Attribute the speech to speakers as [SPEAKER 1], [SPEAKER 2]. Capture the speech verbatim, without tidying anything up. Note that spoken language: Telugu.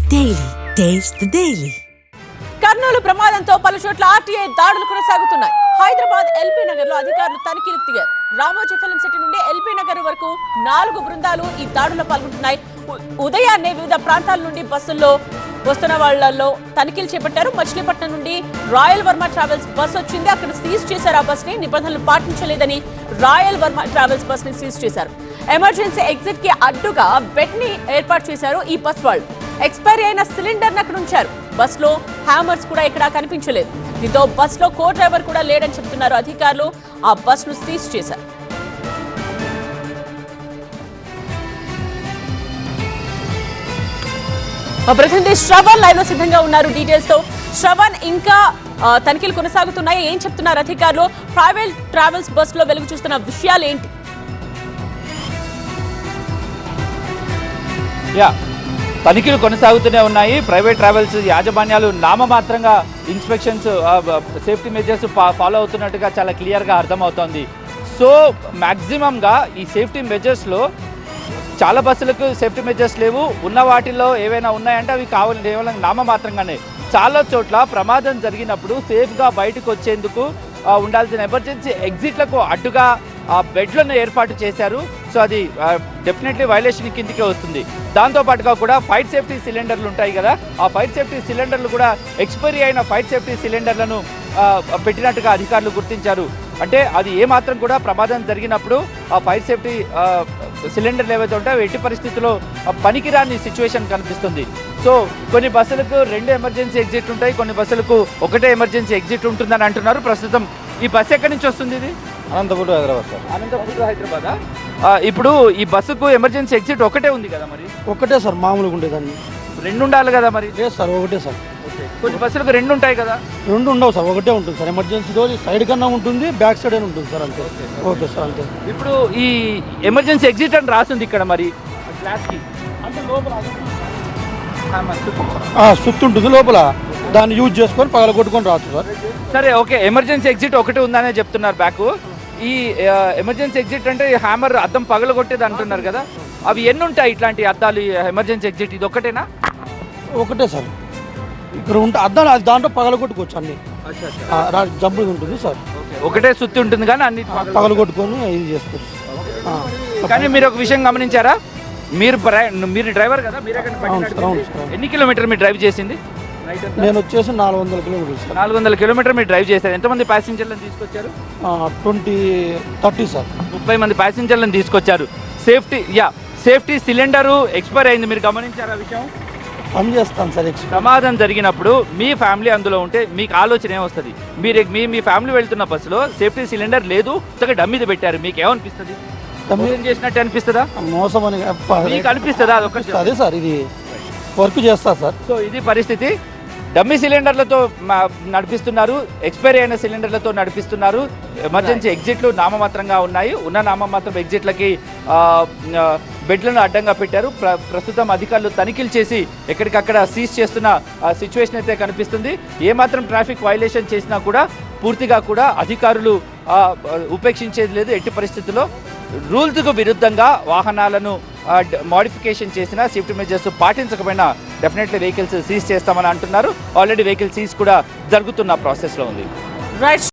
[SPEAKER 1] Daily taste the daily.
[SPEAKER 2] Kurnool ప్రమాదంతో పలు చోట్ల ఆర్టీఐ దాడులు కొనసాగుతున్నాయి. హైదరాబాద్ ఎల్బీ నగర్ లో అధికారులు తనిఖీలకు దిగారు. రామోజీ ఫిలిం సిటీ నుండి ఎల్బీ నగర్ వరకు నాలుగు బృందాలు ఈ దాడుల్లో పాల్గొంటున్నాయి. ఉదయాన్నే వివిధ ప్రాంతాల నుండి బస్సుల్లో వస్తున్న వాళ్లలో తనిఖీలు చేపట్టారు. మచిలీపట్నం నుండి రాయల్ వర్మ ట్రావెల్స్ బస్ వచ్చింది. అక్కడ సీజ్ చేశారు. ఆ బస్ ని నిబంధనలు పాటించలేదని రాయల్ వర్మ ట్రావెల్స్ బస్ ని సీజ్ చేశారు. ఎమర్జెన్సీ ఎగ్జిట్ కి అడ్డుగా బెడ్ ని ఏర్పాటు చేశారు ఈ బస్ వాళ్ళు. ఎక్స్పైరీ అయిన సిలిండర్ అక్కడ ఉంచారు. బస్ లో హ్యామర్స్ కూడా ఎక్కడా కనిపించలేదు. దీంతో బస్ లో కో డ్రైవర్ కూడా లేడని చెప్తున్నారు అధికారులు. ఆ బస్ ను సీజ్ చేశారు. ప్రతినిధి శ్రవణ్ లైవ్ లో సిద్ధంగా ఉన్నారు డీటెయిల్స్ తో. శ్రవణ్, ఇంకా తనిఖీలు కొనసాగుతున్నాయి, ఏం చెప్తున్నారు అధికారులు? ప్రైవేట్ ట్రావెల్స్ బస్ లో వెలుగు చూస్తున్న విషయాలు ఏంటి?
[SPEAKER 3] యా తనిఖీలు కొనసాగుతూనే ఉన్నాయి. ప్రైవేట్ ట్రావెల్స్ యాజమాన్యాలు నామమాత్రంగా ఇన్స్పెక్షన్స్ సేఫ్టీ మెజర్స్ ఫాలో అవుతున్నట్టుగా చాలా క్లియర్గా అర్థమవుతోంది. సో మ్యాక్సిమంగా ఈ సేఫ్టీ మెజర్స్లో చాలా బస్సులకు సేఫ్టీ మెజర్స్ లేవు. ఉన్న వాటిల్లో ఏవైనా ఉన్నాయంటే అవి కావాలి కేవలం నామమాత్రంగానే. చాలా చోట్ల ప్రమాదం జరిగినప్పుడు సేఫ్గా బయటకు వచ్చేందుకు ఉండాల్సిన ఎమర్జెన్సీ ఎగ్జిట్లకు అడ్డుగా బెడ్లను ఏర్పాటు చేశారు. సో అది డెఫినెట్లీ వైలేషన్ కిందికే వస్తుంది. దాంతోపాటుగా కూడా ఫైర్ సేఫ్టీ సిలిండర్లు ఉంటాయి కదా, ఆ ఫైర్ సేఫ్టీ సిలిండర్లు కూడా ఎక్స్పైరీ అయిన ఫైర్ సేఫ్టీ సిలిండర్లను పెట్టినట్టుగా అధికారులు గుర్తించారు. అంటే అది ఏమాత్రం కూడా ప్రమాదం జరిగినప్పుడు ఆ ఫైర్ సేఫ్టీ సిలిండర్లు ఏవైతే ఉంటాయో ఎట్టి పరిస్థితుల్లో పనికిరాని సిచ్యువేషన్ కనిపిస్తుంది. సో కొన్ని బస్సులకు రెండు ఎమర్జెన్సీ ఎగ్జిట్ ఉంటాయి, కొన్ని బస్సులకు ఒకటే ఎమర్జెన్సీ ఎగ్జిట్ ఉంటుందని అంటున్నారు. ప్రస్తుతం ఈ బస్సు ఎక్కడి నుంచి వస్తుంది? ఇది
[SPEAKER 4] అనంతపూర్ హైదరాబాద్ సార్.
[SPEAKER 3] అనంతపూర్ హైదరాబాదా? ఇప్పుడు ఈ బస్సుకు ఎమర్జెన్సీ ఎగ్జిట్ ఒకటే ఉంది కదా, మరి
[SPEAKER 4] ఒకటే సార్ మామూలుగా ఉండేదాన్ని
[SPEAKER 3] రెండు ఉండాలి కదా? మరి
[SPEAKER 4] లేదు సార్, ఒకటే సార్.
[SPEAKER 3] కొన్ని బస్సులకు రెండు ఉంటాయి కదా?
[SPEAKER 4] రెండు ఉండవు సార్, ఒకటే ఉంటుంది సార్. ఎమర్జెన్సీ రోజు సైడ్ కన్నా ఉంటుంది, బ్యాక్ సైడ్ అని ఉంటుంది సార్, అంతే. ఓకే సార్, అంతే.
[SPEAKER 3] ఇప్పుడు ఈ ఎమర్జెన్సీ ఎగ్జిట్ అని రాసింది ఇక్కడ, మరి గ్లాస్కి
[SPEAKER 4] అంటే లోపల సుత్తు ఉంటుంది లోపల, దాన్ని యూజ్ చేసుకొని పగల కొట్టుకొని రావచ్చు సార్.
[SPEAKER 3] సరే, ఓకే. ఎమర్జెన్సీ ఎగ్జిట్ ఒకటే ఉందనే చెప్తున్నారు బ్యాక్. ఈ ఎమర్జెన్సీ ఎగ్జిట్ అంటే హ్యామర్ అద్దం పగల కొట్టేది అంటున్నారు కదా, అవి ఎన్ని ఉంటాయి ఇట్లాంటి అద్దాలు ఎమర్జెన్సీ ఎగ్జిట్? ఇది ఒకటేనా?
[SPEAKER 4] ఒకటే సార్. ఇక్కడ ఉంటే అద్దాలు అది దాంట్లో పగల కొట్టుకోవచ్చు, అన్ని జంపు ఉంటుంది సార్.
[SPEAKER 3] ఒకటే సుత్తి ఉంటుంది కానీ అన్ని
[SPEAKER 4] పగల కొట్టుకొని ఇది చేసుకోవచ్చు.
[SPEAKER 3] కానీ మీరు ఒక విషయం గమనించారా? మీరు మీరు డ్రైవర్ కదా, మీరు ఎన్ని కిలోమీటర్ మీరు డ్రైవ్ చేసింది?
[SPEAKER 4] నేను వచ్చేసి నాలుగు వందల కిలోమీటర్స్
[SPEAKER 3] నాలుగు వందల కిలోమీటర్ మీరు డ్రైవ్ చేశారు. ఎంతమంది ప్యాసింజర్లను తీసుకొచ్చారు?
[SPEAKER 4] Twenty thirty sir.
[SPEAKER 3] ముప్పై మంది ప్యాసింజర్లను తీసుకొచ్చారు. సేఫ్టీ యా సేఫ్టీ సిలిండరు ఎక్స్పైర్ అయింది, మీరు గమనించారా విషయం?
[SPEAKER 4] పని చేస్తాను సార్.
[SPEAKER 3] ప్రమాదం జరిగినప్పుడు మీ ఫ్యామిలీ అందులో ఉంటే మీకు ఆలోచన ఏమొస్తుంది? మీరు మీ మీ ఫ్యామిలీ వెళ్తున్న బస్సులో సేఫ్టీ సిలిండర్ లేదు, డమ్మీది పెట్టారు, మీకు ఏమనిపిస్తుంది? మోసం చేసినట్టు అనిపిస్తుందా?
[SPEAKER 4] మోసం అని
[SPEAKER 3] మీకు అనిపిస్తుందా? అదొకటి
[SPEAKER 4] అదే సార్, ఇది వర్క్ చేస్తా సార్.
[SPEAKER 3] సో ఇది పరిస్థితి. డమ్మీ సిలిండర్లతో నడిపిస్తున్నారు, ఎక్స్పైరీ అయిన సిలిండర్లతో నడిపిస్తున్నారు. ఎమర్జెన్సీ ఎగ్జిట్లు నామమాత్రంగా ఉన్నాయి. ఉన్న నామమాత్రం ఎగ్జిట్లకి బెడ్లను అడ్డంగా పెట్టారు. ప్ర ప్రస్తుతం అధికారులు తనిఖీలు చేసి ఎక్కడికక్కడ సీజ్ చేస్తున్న సిచ్యువేషన్ అయితే కనిపిస్తుంది. ఏమాత్రం ట్రాఫిక్ వైలేషన్ చేసినా కూడా పూర్తిగా కూడా అధికారులు ఉపేక్షించేది లేదు. ఎట్టి పరిస్థితుల్లో రూల్స్కు విరుద్ధంగా వాహనాలను మోడిఫికేషన్ చేసినా, సేఫ్టీ మెజర్స్ పాటించకపోయినా డెఫినెట్లీ వెహికల్స్ సీజ్ చేస్తామని అంటున్నారు. ఆల్రెడీ వెహికల్ సీజ్ కూడా జరుగుతున్న ప్రాసెస్లో ఉంది.
[SPEAKER 2] రైట్.